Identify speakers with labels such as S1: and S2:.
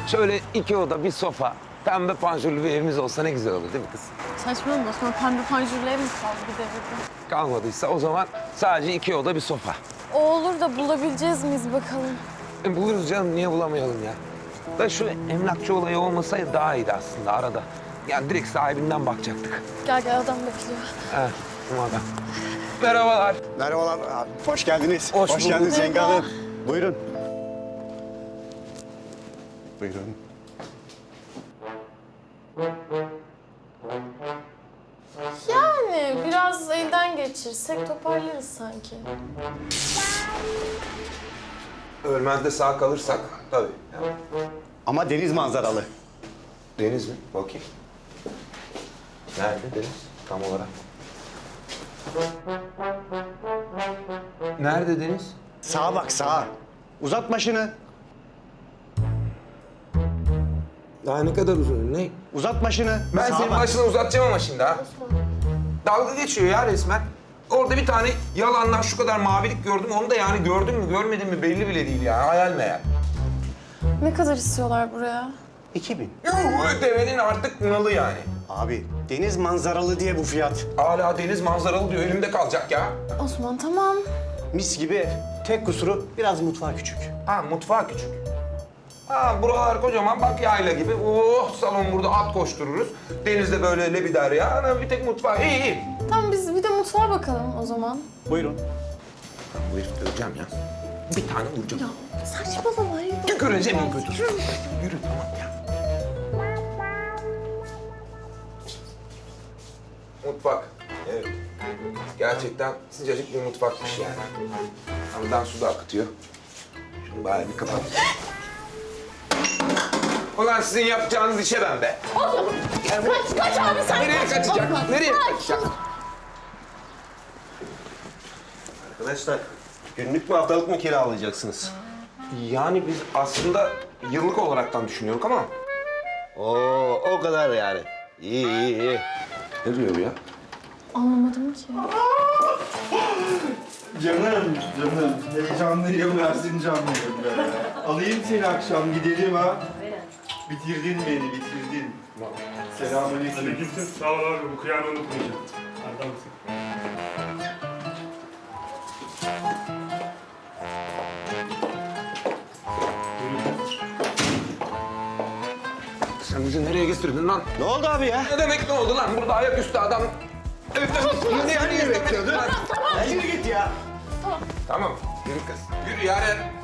S1: Şöyle 2 oda, bir sofa, pembe panjurlu bir evimiz olsa ne güzel olur değil mi kız?
S2: Saçmalama Osman, pembe panjurlu ev mi kaldı bir devirde?
S1: Kalmadıysa o zaman sadece 2 oda, bir sofa.
S2: O olur da bulabileceğiz miyiz bakalım?
S1: Buluruz canım, niye bulamayalım ya? Da şu emlakçı olayı olmasaydı daha iyiydi aslında arada. Yani direkt sahibinden bakacaktık.
S2: Gel gel, adam bekliyor.
S1: He, bu adam. Merhabalar.
S3: Merhabalar abi. Hoş geldiniz.
S1: Hoş bulduk.
S3: geldiniz Yenge
S2: Merhaba.
S3: Hanım. Buyurun. Buyurun.
S2: Yani biraz elden geçirsek toparlarız sanki.
S1: Ölmez de sağ kalırsak tabii. Yani.
S3: Ama deniz manzaralı.
S1: Deniz mi? Bakayım. Nerede deniz tam olarak? Nerede deniz?
S3: Sağa bak sağa. Uzat başını.
S1: Daha ne kadar uzun? Ne?
S3: Uzat başını.
S1: Ben
S3: Sağa
S1: senin
S3: bak.
S1: başını uzatacağım ama şimdi ha. Dalga geçiyor ya resmen. Orada bir tane yalandan şu kadar mavilik gördüm. Onu da yani gördün mü görmedin mi belli bile değil yani. Hayal meyal.
S2: Ne kadar istiyorlar buraya?
S3: 2000.
S1: Yuh, devenin artık nalı yani.
S3: Abi deniz manzaralı diye bu fiyat.
S1: Hala deniz manzaralı diyor. Elimde kalacak ya.
S2: Osman tamam.
S3: Mis gibi ev. Tek kusuru biraz mutfağı küçük.
S1: Ha mutfağı küçük. Ha buralar kocaman bak yayla gibi. Oh salon burada at koştururuz. Denizde böyle lebider ya. Ana bir tek mutfağı. İyi iyi.
S2: Tamam biz bir de mutfağa bakalım o zaman.
S3: Buyurun.
S1: Bu herifi döveceğim ya. Bir tane vuracağım.
S2: Ya saçmalama.
S1: Tüküreceğim en kötü. Yürü tamam ya. Mutfak. Evet. Gerçekten sıcacık bir mutfakmış yani. Hamdan su da akıtıyor. Şunu bari bir kapat. Ulan sizin yapacağınız işe ben be.
S2: Kaç abi sen
S1: Nereye
S2: kaç.
S1: kaçacak?
S2: Osman,
S1: Nereye
S2: kaç.
S1: kaçacak?
S3: Arkadaşlar günlük mü haftalık mı kiralayacaksınız?
S1: Yani biz aslında yıllık olaraktan düşünüyoruz ama...
S4: Oo, o kadar yani. İyi, iyi, iyi.
S1: Ne diyor bu ya?
S2: Anlamadım ki.
S5: Canım, heyecanlıyım, versin canlıyım be. Alayım seni akşam, gidelim ha. Bitirdin beni, bitirdin. Selamünaleyküm.
S6: Aleykümselam. Sağ ol abi. Bu kıyağını unutmayacağım. Adamsın.
S1: Sen bizi nereye getirdin lan?
S3: Ne oldu abi ya?
S1: Ne demek ne oldu lan? Burada ayaküstü adam... Evden yani bekliyordun.
S3: Yürü git ya.
S1: Tamam, yürü kız. Yürü Yaren.